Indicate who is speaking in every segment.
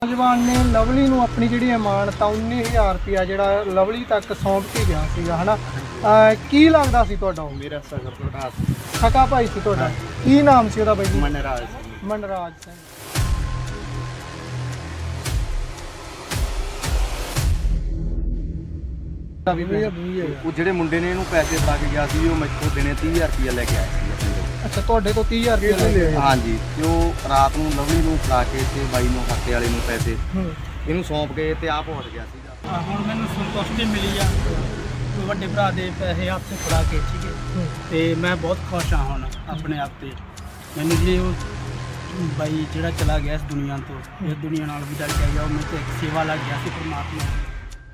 Speaker 1: ਨੌਜਵਾਨ ਨੇ ਲਵਲੀ ਨੂੰ ਆਪਣੀ ਜਿਹੜੀ ਅਮਾਨਤ ਆ 19,000 ਰੁਪਇਆ ਜਿਹੜਾ ਲਵਲੀ ਤੱਕ ਸੌਂਪ ਕੇ ਗਿਆ ਸੀਗਾ ਹਨਾ। ਕੀ ਲੱਗਦਾ ਸੀ ਤੁਹਾਡਾ? ਉਹ
Speaker 2: ਮੇਰਾ ਭਰਾ
Speaker 1: ਸਕਾ ਭਾਈ ਸੀ ਤੁਹਾਡਾ। ਕੀ ਨਾਮ ਸੀ ਉਹਦਾ ਬਾਈ ਜੀ?
Speaker 2: ਮਨਰਾਜ
Speaker 1: ਮਨਰਾਜ ਸਿੰਘ।
Speaker 2: ਉਹ ਜਿਹੜੇ ਮੁੰਡੇ ਨੇ ਇਹਨੂੰ ਪੈਸੇ ਫੜਾ ਕੇ ਗਿਆ ਸੀ ਉਹ ਮੈਥੋਂ ਦਿਨੇ 30,000 ਰੁਪਇਆ ਲੈ ਕੇ ਆਇਆ ਸੀ।
Speaker 1: ਅੱਛਾ, ਤੁਹਾਡੇ ਤੋਂ 30,000 ਰੁਪਇਆ ਲੈ ਲਿਆ?
Speaker 2: ਹਾਂਜੀ, ਤੇ ਉਹ ਰਾਤ ਨੂੰ ਲਵਲੀ ਨੂੰ ਫੜਾ ਕੇ ਤੇ ਬਾਈ ਨੂੰ ਹੱਤੇ ਵਾਲੇ ਨੂੰ ਪੈਸੇ ਇਹਨੂੰ ਸੌਂਪ ਕੇ ਤੇ ਆਪ ਉੱਠ ਗਿਆ ਸੀਗਾ।
Speaker 3: ਹੁਣ ਮੈਨੂੰ ਸੰਤੁਸ਼ਟੀ ਮਿਲੀ ਆ ਵੱਡੇ ਭਰਾ ਦੇ ਪੈਸੇ ਹੱਥ 'ਚ ਫੜਾ ਕੇ, ਠੀਕ ਹੈ, ਤੇ ਮੈਂ ਬਹੁਤ ਖੁਸ਼ ਹਾਂ ਹੁਣ ਆਪਣੇ ਆਪ ਤੇ। ਮੈਨੂੰ ਜੇ ਉਹ ਬਾਈ ਜਿਹੜਾ ਚਲਾ ਗਿਆ ਇਸ ਦੁਨੀਆ ਤੋਂ, ਇਸ ਦੁਨੀਆ ਨਾਲ ਵਿਦਾ ਕਰ ਗਿਆ, ਉਹ ਮੇਰੇ ਤੇ ਇੱਕ ਸੇਵਾ ਲੱਗ ਗਿਆ ਸੀ ਪਰਮਾਤਮਾ ਦੀ।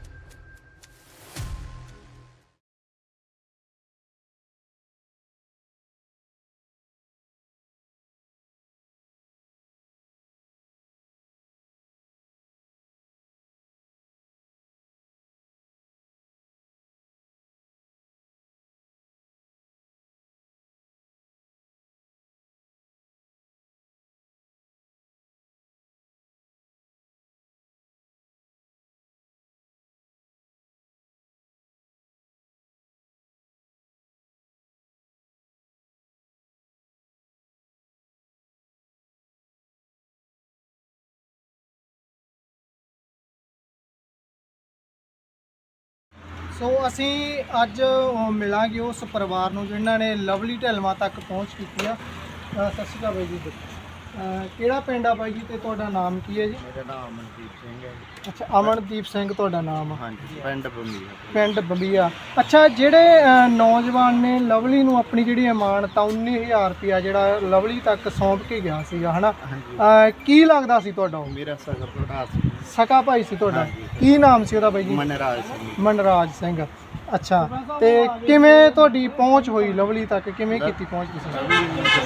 Speaker 1: ਸੋ ਅਸੀਂ ਅੱਜ ਮਿਲਾਂਗੇ ਉਸ ਪਰਿਵਾਰ ਨੂੰ ਜਿਨ੍ਹਾਂ ਨੇ ਲਵਲੀ ਢਿਲਵਾਂ ਤੱਕ ਪਹੁੰਚ ਕੀਤੀ ਆ। ਸਤਿ ਸ਼੍ਰੀ ਅਕਾਲ ਬਾਈ ਜੀ। ਕਿਹੜਾ ਪਿੰਡ ਆ ਬਾਈ ਜੀ ਤੇ ਤੁਹਾਡਾ ਨਾਮ ਕੀ ਹੈ ਜੀ?
Speaker 2: ਮੇਰਾ ਨਾਮ ਅਮਨਦੀਪ ਸਿੰਘ ਹੈ ਜੀ।
Speaker 1: ਅੱਛਾ, ਅਮਨਦੀਪ ਸਿੰਘ ਤੁਹਾਡਾ ਨਾਮ?
Speaker 2: ਹਾਂਜੀ, ਪਿੰਡ ਬੰਬੀਆ।
Speaker 1: ਪਿੰਡ ਬੰਬੀਆ। ਅੱਛਾ, ਜਿਹੜੇ ਨੌਜਵਾਨ ਨੇ ਲਵਲੀ ਨੂੰ ਆਪਣੀ ਜਿਹੜੀ ਅਮਾਨਤ ਆ 19,000 ਰੁਪਇਆ ਜਿਹੜਾ ਲਵਲੀ ਤੱਕ ਸੌਂਪ ਕੇ ਗਿਆ ਸੀਗਾ ਹਨਾ। ਕੀ ਲੱਗਦਾ ਸੀ ਤੁਹਾਡਾ? ਉਹ
Speaker 2: ਮੇਰਾ ਭਰਾ
Speaker 1: ਸਕਾ ਭਾਈ ਸੀ ਤੁਹਾਡਾ। ਕੀ ਨਾਮ ਸੀ ਉਹਦਾ ਬਾਈ ਜੀ?
Speaker 2: ਮਨਰਾਜ ਸਿੰਘ।
Speaker 1: ਮਨਰਾਜ ਸਿੰਘ। ਅੱਛਾ, ਤੇ ਕਿਵੇਂ ਤੁਹਾਡੀ ਪਹੁੰਚ ਹੋਈ ਲਵਲੀ ਤੱਕ? ਕਿਵੇਂ ਕੀਤੀ ਪਹੁੰਚ ਤੁਸੀਂ?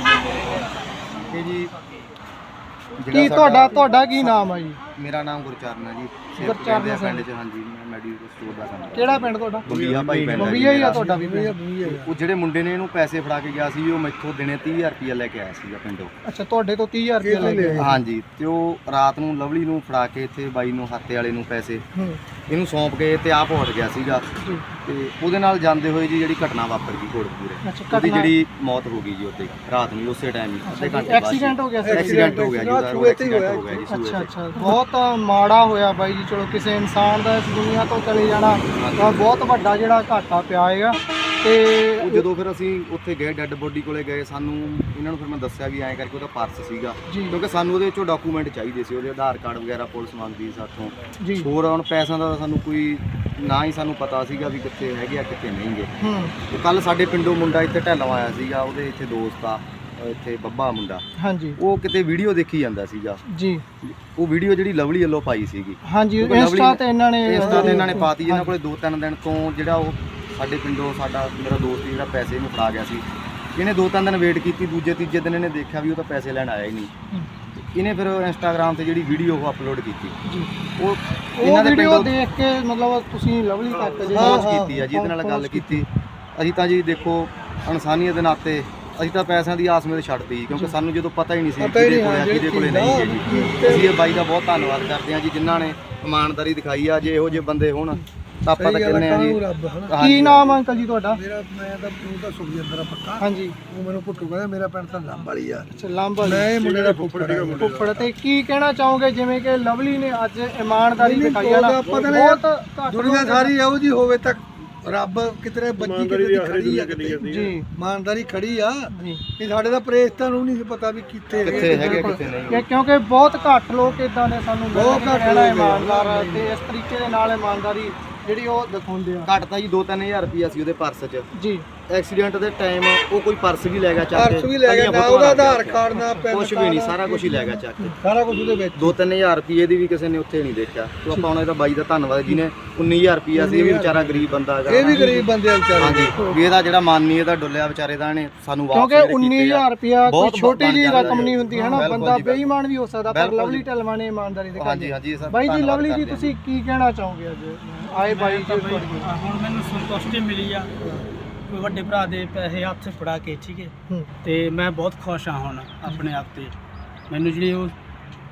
Speaker 2: ਇਹ ਜੀ
Speaker 1: ਕੀ ਤੁਹਾਡਾ ਕੀ ਨਾਮ ਆ ਜੀ?
Speaker 2: ਮੇਰਾ ਨਾਮ ਗੁਰਚਰਨ ਹੈ ਜੀ।
Speaker 1: ਗੁਰਚਰਨ ਸਿੰਘ।
Speaker 2: ਪਿੰਡ 'ਚ, ਹਾਂਜੀ, ਮੈਂ ਮੈਡੀਕਲ ਸਟੋਰ ਦਾ ਕੰਮ।
Speaker 1: ਕਿਹੜਾ ਪਿੰਡ ਤੁਹਾਡਾ?
Speaker 2: ਬੰਬੀਆ ਭਾਈ ਪਿੰਡ।
Speaker 1: ਬੰਬੀਆ ਹੀ ਆ ਤੁਹਾਡਾ ਵੀ?
Speaker 2: ਉਹ ਜਿਹੜੇ ਮੁੰਡੇ ਨੇ ਇਹਨੂੰ ਪੈਸੇ ਫੜਾ ਕੇ ਗਿਆ ਸੀ ਉਹ ਮੈਥੋਂ ਦਿਨੇ 30,000 ਰੁਪਇਆ ਲੈ ਕੇ ਆਇਆ ਸੀਗਾ ਪਿੰਡੋਂ।
Speaker 1: ਅੱਛਾ, ਤੁਹਾਡੇ ਤੋਂ 30,000 ਰੁਪਇਆ ਲੈ ਲਿਆ?
Speaker 2: ਹਾਂਜੀ, ਤੇ ਉਹ ਰਾਤ ਨੂੰ ਲਵਲੀ ਨੂੰ ਫੜਾ ਕੇ ਤੇ ਬਾਈ ਨੂੰ ਹੱਤੇ ਵਾਲੇ ਨੂੰ ਪੈਸੇ ਇਹਨੂੰ ਸੌਂਪ ਕੇ ਤੇ ਆਪ ਉੱਠ ਗਿਆ ਸੀਗਾ। ਤੇ ਉਹਦੇ ਨਾਲ ਜਾਂਦੇ ਹੋਏ ਜੀ ਜਿਹੜੀ ਘਟਨਾ ਵਾਪਰ ਗਈ ਕੋਟਕਪੂਰੇ, ਉਹਦੀ ਜਿਹੜੀ ਮੌਤ ਹੋ ਗਈ ਜੀ ਉੱਥੇ ਰਾਤ ਨੂੰ ਉਸੇ ਟਾਈਮ ਹੀ ਅੱਧੇ ਘੰਟੇ ਬਾਅਦ।
Speaker 1: ਐਕਸੀਡੈਂਟ ਹੋ ਗਿਆ ਸੀ?
Speaker 2: ਐਕਸੀਡੈਂਟ ਹੋ ਗਿਆ ਜੀ, ਉਹਦਾ ਐਕਸੀਡੈਂਟ ਹੋ ਗਿਆ ਜੀ।
Speaker 1: ਅੱਛਾ ਅੱਛਾ, ਬਹੁਤ ਮਾੜਾ ਹੋਇਆ ਬਾਈ ਜੀ। ਚਲੋ, ਕਿਸੇ ਇਨਸਾਨ ਦਾ ਇਸ ਦੁਨੀਆ ਤੋਂ ਚਲੇ ਜਾਣਾ ਤਾਂ ਬਹੁਤ ਵੱਡਾ ਜਿਹੜਾ ਘਾਟਾ ਪਿਆ ਹੈਗਾ। ਤੇ
Speaker 2: ਉਹ ਜਦੋਂ ਫਿਰ ਅਸੀਂ ਉੱਥੇ ਗਏ, ਡੈੱਡ ਬੋਡੀ ਕੋਲੇ ਗਏ, ਸਾਨੂੰ ਇਹਨਾਂ ਨੂੰ ਫਿਰ ਮੈਂ ਦੱਸਿਆ ਵੀ ਐਂ ਕਰਕੇ ਉਹਦਾ ਪਰਸ ਸੀਗਾ, ਕਿਉਂਕਿ ਸਾਨੂੰ ਉਹਦੇ ਵਿੱਚੋਂ ਡਾਕੂਮੈਂਟ ਚਾਹੀਦੇ ਸੀ, ਉਹਦੇ ਆਧਾਰ ਕਾਰਡ ਵਗੈਰਾ ਪੁਲਿਸ ਮੰਗਦੀ ਸਾਥੋਂ
Speaker 1: ਜੀ।
Speaker 2: ਹੋਰ ਹੁਣ ਪੈਸਿਆਂ ਦਾ ਸਾਨੂੰ ਕੋਈ ਨਾ ਹੀ ਸਾਨੂੰ ਪਤਾ ਸੀਗਾ ਵੀ ਕਿੱਥੇ ਹੈਗੇ ਆ ਕਿੱਥੇ ਨਹੀਂ ਗੇ। ਤੇ ਕੱਲ ਸਾਡੇ ਪਿੰਡੋਂ ਮੁੰਡਾ ਇੱਥੇ ਢਿੱਲੋਂ ਆਇਆ ਸੀਗਾ, ਉਹਦੇ ਇੱਥੇ ਦੋਸਤ ਆ ਇੱਥੇ ਬੱਬਾ ਮੁੰਡਾ। ਹਾਂਜੀ, ਉਹ ਕਿਤੇ ਵੀਡੀਓ ਦੇਖੀ ਜਾਂਦਾ ਸੀਗਾ ਜੀ। ਉਹ ਵੀਡੀਓ ਜਿਹੜੀ ਲਵਲੀ ਵੱਲੋਂ ਪਾਈ ਸੀਗੀ, ਹਾਂਜੀ, ਇੰਸਟਾ ਤੇ ਇਹਨਾਂ ਨੇ ਪਾਤੀ। ਇਹਨਾਂ ਕੋਲੇ 2-3 ਦਿਨ ਤੋਂ ਜਿਹੜਾ ਉਹ ਸਾਡੇ ਪਿੰਡੋਂ ਮੇਰਾ ਦੋਸਤ ਜਿਹੜਾ ਪੈਸੇ ਨੂੰ ਫੜਾ ਗਿਆ ਸੀ, ਇਹਨੇ 2-3 ਦਿਨ ਵੇਟ ਕੀਤੀ। ਦੂਜੇ ਤੀਜੇ ਦਿਨ ਇਹਨੇ ਦੇਖਿਆ ਵੀ ਉਹ ਤਾਂ ਪੈਸੇ ਲੈਣ ਆਇਆ ਹੀ ਨਹੀਂ। ਇਹਨੇ ਫਿਰ ਇੰਸਟਾਗ੍ਰਾਮ ਤੇ ਜਿਹੜੀ ਵੀਡੀਓ ਉਹ ਅਪਲੋਡ ਕੀਤੀ ਜੀ। ਉਹ ਇਹਨਾਂ ਦੇ ਵੀਡੀਓ ਦੇਖ ਕੇ ਮਤਲਬ ਤੁਸੀਂ ਲਵਲੀ ਤੱਕ ਪਹੁੰਚ ਕੀਤੀ ਆ ਜੀ, ਇਹਦੇ ਨਾਲ ਗੱਲ ਕੀਤੀ। ਅਸੀਂ ਤਾਂ ਜੀ ਦੇਖੋ ਇਨਸਾਨੀਅਤ ਦੇ ਨਾਤੇ ਅਸੀਂ ਤਾਂ ਪੈਸਿਆਂ ਦੀ ਆਸ ਵਿੱਚ ਛੱਡਤੀ, ਕਿਉਂਕਿ ਸਾਨੂੰ ਜਦੋਂ ਪਤਾ ਹੀ ਨਹੀਂ ਸੀ ਕਿਹਦੇ ਕੋਲੇ ਆ ਕਿਹਦੇ ਕੋਲੇ ਨਹੀਂ ਹੈ ਜੀ। ਅਸੀਂ ਇਹ ਬਾਈ ਦਾ ਬਹੁਤ ਧੰਨਵਾਦ ਕਰਦੇ ਹਾਂ ਜੀ, ਜਿਨ੍ਹਾਂ ਨੇ ਇਮਾਨਦਾਰੀ ਦਿਖਾਈ ਆ। ਜੇ ਇਹੋ ਜਿਹੇ ਬੰਦੇ ਹੋਣ ਤਾਂ ਆਪਾਂ ਤਾਂ ਕਹਿੰਦੇ ਆ ਜੀ।
Speaker 1: ਕੀ ਨਾਮ ਅੰਕਲ ਜੀ ਤੁਹਾਡਾ?
Speaker 4: ਮੈਂ ਤਾਂ ਸੁਖਜਿੰਦਰ ਆ ਪੱਕਾ।
Speaker 1: ਹਾਂਜੀ,
Speaker 4: ਉਹ ਮੈਨੂੰ ਪੁੱਟੂ ਕਹਿੰਦਾ। ਮੇਰਾ ਪਿੰਡ ਤਾਂ ਲੰਬ ਵਾਲੀ ਆ।
Speaker 1: ਅੱਛਾ, ਲੰਬ ਵਾਲੀ।
Speaker 4: ਮੈਂ ਇਹ ਮੁੰਡੇ ਦਾ
Speaker 1: ਫੁੱਫੜ। ਤੇ ਕੀ ਕਹਿਣਾ ਚਾਹੋਗੇ ਜਿਵੇਂ ਕਿ ਲਵਲੀ ਨੇ ਅੱਜ ਇਮਾਨਦਾਰੀ ਦਿਖਾਈ ਆ ਨਾ? ਬਹੁਤ
Speaker 4: ਦੁਨੀਆ ਸਾਰੀ ਇਹੋ ਜੀ ਹੋਵੇ ਤਾਂ ਰੱਬ ਕਿਤੇ ਬੱਚੀ ਕਿਤੇ ਦੀ ਖੜੀ ਆ ਜੀ। ਇਮਾਨਦਾਰੀ ਖੜੀ ਆ ਇਹ ਸਾਡੇ ਦਾ ਪ੍ਰੇਸਤਾਂ ਨੂੰ ਨਹੀਂ ਪਤਾ ਵੀ ਕਿੱਥੇ
Speaker 2: ਹੈਗੇ ਕਿੱਥੇ ਨਹੀਂ,
Speaker 1: ਕਿਉਂਕਿ ਬਹੁਤ ਘੱਟ ਲੋਕ ਇਦਾਂ ਦੇ ਸਾਨੂੰ ਬਹੁਤ ਘੱਟ ਇਮਾਨਦਾਰ ਤੇ ਇਸ ਤਰੀਕੇ ਦੇ ਨਾਲ ਇਮਾਨਦਾਰੀ ਜਿਹੜੀ ਉਹ ਦਿਖਾਉਂਦੇ ਆ।
Speaker 2: ਘੱਟ ਤਾਂ ਜੀ 2-3 ਹਜ਼ਾਰ ਰੁਪਇਆ ਸੀ ਉਹਦੇ ਪਰਸ 'ਚ
Speaker 1: ਜੀ।
Speaker 2: ਐਕਸੀਡੈਂਟ ਦੇ ਟਾਈਮ ਉਹ ਕੋਈ ਪਰਸ ਵੀ ਲੈ ਗਿਆ ਚੱਕ ਕੇ,
Speaker 4: ਪਰਸ ਵੀ ਲੈ ਗਿਆ, ਨਾ ਉਹਦਾ ਆਧਾਰ ਕਾਰਡ ਨਾ ਪੈਨ
Speaker 2: ਕੁਝ ਵੀ ਨਹੀਂ, ਸਾਰਾ ਕੁਝ ਹੀ ਲੈ ਗਿਆ ਚੱਕ ਕੇ,
Speaker 4: ਸਾਰਾ ਕੁਝ ਉਹਦੇ ਵਿੱਚ।
Speaker 2: 2-3 ਹਜ਼ਾਰ ਰੁਪਏ ਦੀ ਵੀ ਕਿਸੇ ਨੇ ਉੱਥੇ ਨਹੀਂ ਦੇਖਿਆ। ਤੇ ਆਪਾਂ ਹੁਣ ਇਹਦਾ ਬਾਈ ਦਾ ਧੰਨਵਾਦ, ਜਿਹਨੇ 19,000 ਰੁਪਇਆ ਸੀ, ਇਹ ਵੀ ਵਿਚਾਰਾ ਗਰੀਬ ਬੰਦਾ ਹੈਗਾ।
Speaker 4: ਇਹ ਵੀ ਗਰੀਬ ਬੰਦੇ ਆ ਵਿਚਾਰੇ।
Speaker 2: ਹਾਂਜੀ, ਵੀ ਇਹਦਾ ਜਿਹੜਾ ਮਨ ਨਹੀਂ ਇਹਦਾ ਡੁੱਲਿਆ ਵਿਚਾਰੇ ਦਾ, ਇਹਨੇ ਸਾਨੂੰ ਵਾਪਸ
Speaker 1: ਕਿਉਂਕਿ 19,000 ਰੁਪਇਆ ਕੋਈ ਛੋਟੀ ਜਿਹੀ ਰਕਮ ਨਹੀਂ ਹੁੰਦੀ ਹੈ ਨਾ। ਬੰਦਾ ਬੇਈਮਾਨ ਵੀ ਹੋ ਸਕਦਾ, ਪਰ ਲਵਲੀ ਢਿਲਵਾਂ ਨੇ ਇਮਾਨਦਾਰੀ ਦਿਖਾਈ।
Speaker 2: ਹਾਂਜੀ ਹਾਂਜੀ ਸਰ।
Speaker 1: ਬਾਈ ਜੀ, ਲਵਲੀ ਜੀ ਤੁਸੀਂ ਕੀ ਕਹਿਣਾ ਚਾਹੋਗੇ ਅੱਜ ਆਏ ਬਾਈ ਜੀ?
Speaker 3: ਹੁਣ ਮੈਨੂੰ ਸੰਤੁਸ਼ਟੀ ਮਿਲੀ ਆ ਵੱਡੇ ਭਰਾ ਦੇ ਪੈਸੇ ਹੱਥ 'ਚ ਫੜਾ ਕੇ, ਠੀਕ ਹੈ, ਤੇ ਮੈਂ ਬਹੁਤ ਖੁਸ਼ ਹਾਂ ਹੁਣ ਆਪਣੇ ਆਪ ਤੇ। ਮੈਨੂੰ ਜਿਹੜੀ ਉਹ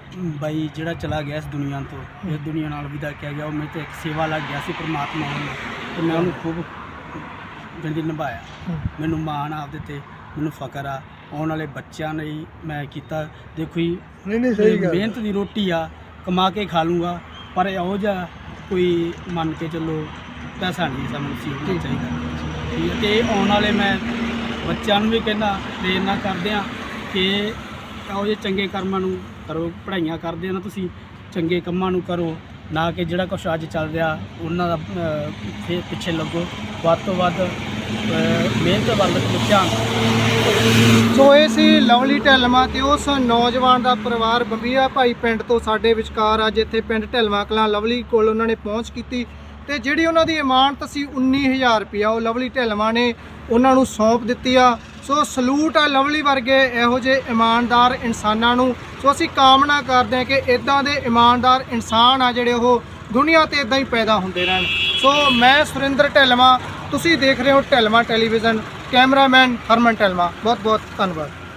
Speaker 3: ਬਾਈ ਜਿਹੜਾ ਚਲਾ ਗਿਆ ਇਸ ਦੁਨੀਆ ਤੋਂ, ਇਸ ਦੁਨੀਆ ਨਾਲ ਵਿਦਾ ਕਿਹਾ ਗਿਆ, ਉਹ ਮੇਰੇ ਤੇ ਇੱਕ ਸੇਵਾ ਲੱਗ ਗਿਆ ਸੀ ਪਰਮਾਤਮਾ ਵੱਲੋਂ, ਤੇ ਮੈਂ ਉਹਨੂੰ ਖੂਬ ਜਿੰਦਗੀ ਨਿਭਾਇਆ। ਮੈਨੂੰ ਮਾਣ ਆ ਆਪਦੇ ਤੇ, ਮੈਨੂੰ ਫਕਰ ਆ। ਆਉਣ ਵਾਲੇ ਬੱਚਿਆਂ ਲਈ ਮੈਂ ਕੀਤਾ। ਦੇਖੋ ਜੀ,
Speaker 4: ਨਹੀਂ ਸਹੀ ਗੱਲ,
Speaker 3: ਮਿਹਨਤ ਦੀ ਰੋਟੀ ਆ, ਕਮਾ ਕੇ ਖਾ ਲੂੰਗਾ, ਪਰ ਇਹੋ ਜਿਹਾ ਕੋਈ ਮੰਨ ਕੇ ਚੱਲੋ ਪੈਸਾ ਨਹੀਂ ਸਾਨੂੰ ਸੀਖਣਾ ਚਾਹੀਦਾ, ਠੀਕ ਹੈ। ਤੇ ਆਉਣ ਵਾਲੇ ਮੈਂ ਬੱਚਿਆਂ ਨੂੰ ਵੀ ਕਹਿੰਦਾ, ਪ੍ਰੇਰਨਾ ਕਰਦੇ ਆ ਕਿ ਇਹੋ ਜਿਹੇ ਚੰਗੇ ਕਰਮਾਂ ਨੂੰ ਕਰੋ, ਪੜ੍ਹਾਈਆਂ ਕਰਦੇ ਆ ਨਾ ਤੁਸੀਂ, ਚੰਗੇ ਕੰਮਾਂ ਨੂੰ ਕਰੋ, ਨਾ ਕਿ ਜਿਹੜਾ ਕੁਛ ਅੱਜ ਚੱਲ ਰਿਹਾ ਉਹਨਾਂ ਦਾ ਫਿਰ ਪਿੱਛੇ ਲੱਗੋ। ਵੱਧ ਤੋਂ ਵੱਧ ਮਿਹਨਤ ਵੱਲ ਧਿਆਨ।
Speaker 1: ਸੋ ਇਹ ਸੀ ਲਵਲੀ ਢਿੱਲਵਾਂ ਤੇ ਉਸ ਨੌਜਵਾਨ ਦਾ ਪਰਿਵਾਰ ਬੰਬੀਆ ਭਾਈ ਪਿੰਡ ਤੋਂ ਸਾਡੇ ਵਿਚਕਾਰ ਅੱਜ ਇੱਥੇ ਪਿੰਡ ਢਿੱਲਵਾਂ ਕਲਾਂ ਲਵਲੀ ਕੋਲ ਉਹਨਾਂ ਨੇ ਪਹੁੰਚ ਕੀਤੀ, ਤੇ ਜਿਹੜੀ ਉਹਨਾਂ ਦੀ ਇਮਾਨਤ ਸੀ 19,000 ਰੁਪਇਆ ਉਹ ਲਵਲੀ ਢਿੱਲਵਾਂ ਨੇ ਉਹਨਾਂ ਨੂੰ ਸੌਂਪ ਦਿੱਤੀ ਆ। ਸੋ ਸਲੂਟ ਆ ਲਵਲੀ ਵਰਗੇ ਇਹੋ ਜਿਹੇ ਇਮਾਨਦਾਰ ਇਨਸਾਨਾਂ ਨੂੰ। ਸੋ ਅਸੀਂ ਕਾਮਨਾ ਕਰਦੇ ਹਾਂ ਕਿ ਇਦਾਂ ਦੇ ਇਮਾਨਦਾਰ ਇਨਸਾਨ ਆ ਜਿਹੜੇ ਉਹ ਦੁਨੀਆ ਤੇ ਇਦਾਂ ਹੀ ਪੈਦਾ ਹੁੰਦੇ ਰਹਿਣ। ਸੋ ਮੈਂ ਸੁਰਿੰਦਰ ਢਿੱਲਵਾਂ, ਤੁਸੀਂ ਦੇਖ ਰਹੇ ਹੋ ਢਿੱਲਵਾਂ ਟੈਲੀਵਿਜ਼ਨ, ਕੈਮਰਾਮੈਨ ਹਰਮਨ ਢਿੱਲਵਾਂ, ਬਹੁਤ ਬਹੁਤ ਧੰਨਵਾਦ।